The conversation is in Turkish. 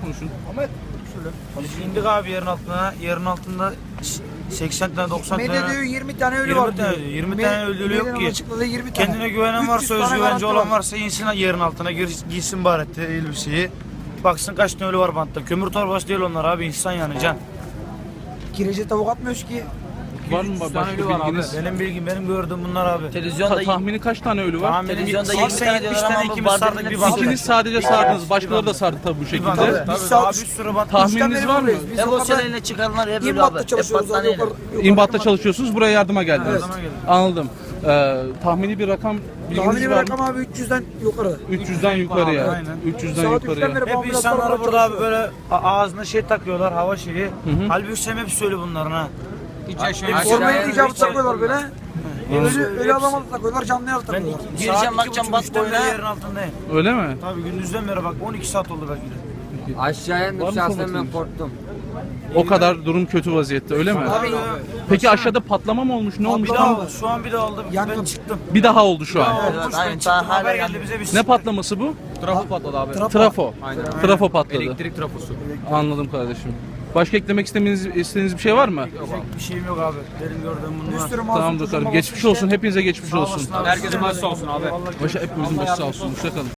konuşun. Biz indik abi yerin altına. Yerin altında 80 tane 90 tane. Medya diyor 20 tane ölü 20 var diyor. tane, 20 tane ölü yok ki. Açıkladığı 20 tane. Kendine güvenen 300 varsa, tane özgüvenci garanti olan var. varsa insin yerin altına giysin bari elbiseyi. Baksın kaç tane ölü var bantta. Kömür torbası değil onlar abi, insan yani can. Kirece tavuk atmıyoruz ki. Var mı başka bilginiz? Benim gördüğüm bunlar abi. Televizyonda Tahmini kaç tane ölü var? televizyonda 80, 20 tane 70 diyorlar tane ama ikimiz bu sardık bardak bir hepsi- bant. İkiniz sadece sardınız. Başkaları da sardı tabii bu Bir bant. şekilde. Tabii saat- daha bir sürü bant. Tahmininiz var mı? Biz Emosyoneline çıkarılar hep öyle abi. İmbat'ta Hep çalışıyoruz. battaniyeyle. İmbat'ta çalışıyorsunuz. Buraya yardıma geldiniz. Yardıma geldim. Anladım. Tahmini bir rakam bilginiz Tahmini bir var mı? rakam abi 300'den yukarı. 300'den yukarıya. Aynen. 300'den Saat yukarıya. 3'ten beri Hep ambulanslar insanlar falan burada abi çalışıyor. böyle ağzına şey takıyorlar, hava şeyi. Halbuki sen hep söyle bunların ha. Formayı icabı takıyorlar böyle. Ölü adama da takıyorlar, canlıya da takıyorlar. Gireceğim, bakacağım, bak üçten beri boyuna. yerin altındayım. Öyle mi? Tabii gündüzden beri bak 12 saat oldu belki de. Aşağıya Var mı indim şahsen ben komutanım? korktum. O kadar durum kötü vaziyette öyle mi? Abi Peki aşağıda patlama mı olmuş? Ne olmuş? bir daha Tam oldu. Şu an bir daha oldu. Yangın. Ben çıktım. bir daha oldu şu an. Evet, Olmuş, ben aynen, çıktım. daha hala Haber yandı. geldi bize biz. Ne patlaması bu? Trafo patladı abi. Trafo. Aynen. Trafo patladı. Elektrik trafosu. Anladım kardeşim. Başka eklemek istediğiniz bir şey var mı? Bir şeyim yok abi. Benim gördüğüm Bir bunlar. sürü masum Tamamdır çocuğum kardeşim. olmuş Geçmiş işte. olsun. Hepinize geçmiş Sağ olsun. olasın abi. Herkesin başı sağ olsun abi. Başa hepimizin başı sağ olsun. Hoşçakalın.